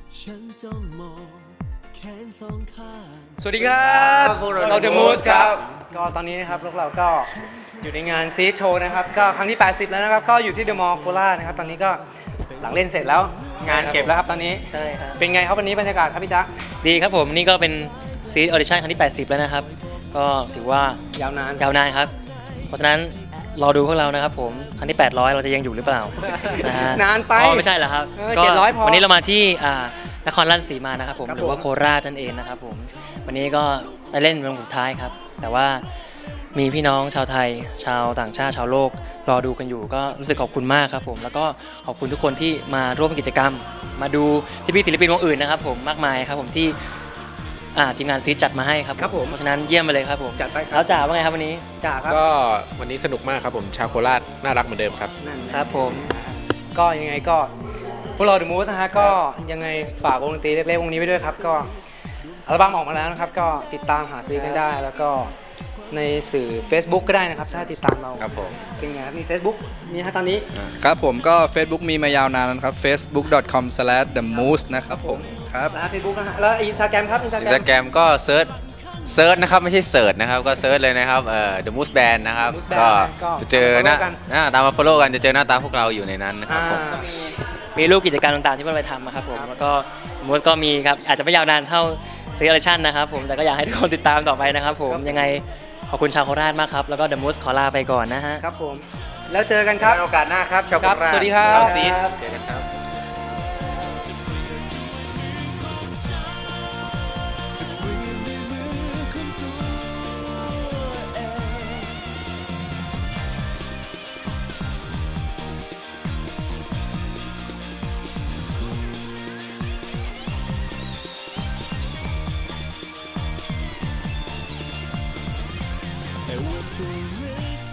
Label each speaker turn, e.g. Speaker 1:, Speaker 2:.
Speaker 1: ฉันจ้องมองแขนสองข้าง
Speaker 2: สวัสดีครับเราเดอะมูสครับก็ตอนนี้นะครับพวกเราก็อยู่ในงานซีโชว์นะครับก็ครั้งที่ 80 แล้วนะครับก็อยู่ที่เดอะมอลล์โคราชนะครับตอนนี้ก็หลังเล่นเสร็จแล้วงานเก็บแล้วครับตอนนี้
Speaker 3: ใช่ครับ
Speaker 2: เป็นไงครับวันนี้บรรยากาศครับพี่จ๊ะ
Speaker 3: ดีครับผมนี่ก็เป็นซีรีส์ออดิชั่นครั้งที่ 80 แล้วนะครับ ก็ถือว่าย
Speaker 2: าวนาน
Speaker 3: ยาวนานครับ เพราะฉะนั้นรอดูพวกเรานะครับผมครั้งที่ 800 เราจะยังอยู่หรือเปล่านะฮะ
Speaker 2: นานไป
Speaker 3: อ๋อไม่ใช่เหรอครับ
Speaker 2: เจ็ดร้อยพอ
Speaker 3: วันนี้เรามาที่นครราชสีมานะครับผม
Speaker 2: ครับ
Speaker 3: หรือว่า
Speaker 2: ผม
Speaker 3: โคราชนั่นเองนะครับผมวันนี้ก็ได้เล่นเป็นวันสุดท้ายครับ แต่ว่ามีพี่น้องชาวไทย ชาวต่างชาติชาวโลกรอดูกันอยู่ก็รู้สึกขอบคุณมากครับผมแล้วก็ขอบคุณทุกคนที่มาร่วมกิจกรรม มาดูที่พี่ศิลปินวงอื่นนะครับผมมากมายครับผมที่ทีมงานซีจัดมาให้ครับ
Speaker 2: ครับผม
Speaker 3: เพราะฉะนั้นเยี่ยมไปเลยครับผม
Speaker 2: จัดไปครั
Speaker 3: แล้
Speaker 2: บ
Speaker 3: วจ่าว่าไงครับวันนี้
Speaker 2: จ่าครับ
Speaker 4: ก็วันนี้สนุกมากครับผมชาวโคราชน่ารักเหมือนเดิมครับ
Speaker 2: นั่น
Speaker 3: ครับผม
Speaker 2: ก็ยังไงก็พวกเราเดอะมูสนะฮะก็ยังไงฝากวงดนตรีเล็กๆวงนี้ไว้ด้วยครับก็อัลบั้มออกมาแล้วนะครับก็ติดตามหาซื้อกันได้แล้วก็ในสื่อ Facebook ก็ได้นะครับถ้าติดตามเรา
Speaker 4: ครับผม
Speaker 2: เป็นไงครับมี Facebook มีฮะตอนนี้
Speaker 5: ครับผมก็ Facebook มีมายาวนานนะครับ facebook.com/themoose นะครับผมครับ
Speaker 2: แล้ว Facebook นะฮะแล้วอินสตาแกรมครับอินสตา
Speaker 4: อิ
Speaker 2: แก
Speaker 4: น
Speaker 2: ร
Speaker 4: สตาม แกรมก็เซิร์ชนะครับไม่ใช่เสิร์ชนะครับก็เซิร์ชเลยนะครับThe Moose Band นะครับ
Speaker 2: Moose Band
Speaker 4: ก็
Speaker 2: ก็
Speaker 4: จะเจอหน้า
Speaker 2: follow กัน
Speaker 4: ตามมา follow กันจะเจอหน้าตาพวกเราอยู่ในนั้นนะครับผม
Speaker 3: มีรูปกิจกรรมต่างๆที่พวกเราไปทำนะครับผมแล้วก็มูสก็มีครับอาจจะไม่ยาวนานเท่าซีรีส์ออดิชั่นนะครับผมแต่ก็อยากให้ทุกคนติดตามต่อไปนะครับผมยังไงขอบคุณชาวโคราชมากครับแล้วก็ The Moose ขอลาไปก่อนนะฮะ
Speaker 2: ครับผมแล้วเจอกันครับ
Speaker 4: โอกาสหน้าครับชาวโค
Speaker 2: ครับ
Speaker 4: ราช
Speaker 2: สวัสดีครับ
Speaker 4: ชาวซีดเจอกันครับ
Speaker 1: จะเปลี่ยนในมือของตัวเอง แต่ว่าตัวเล็ก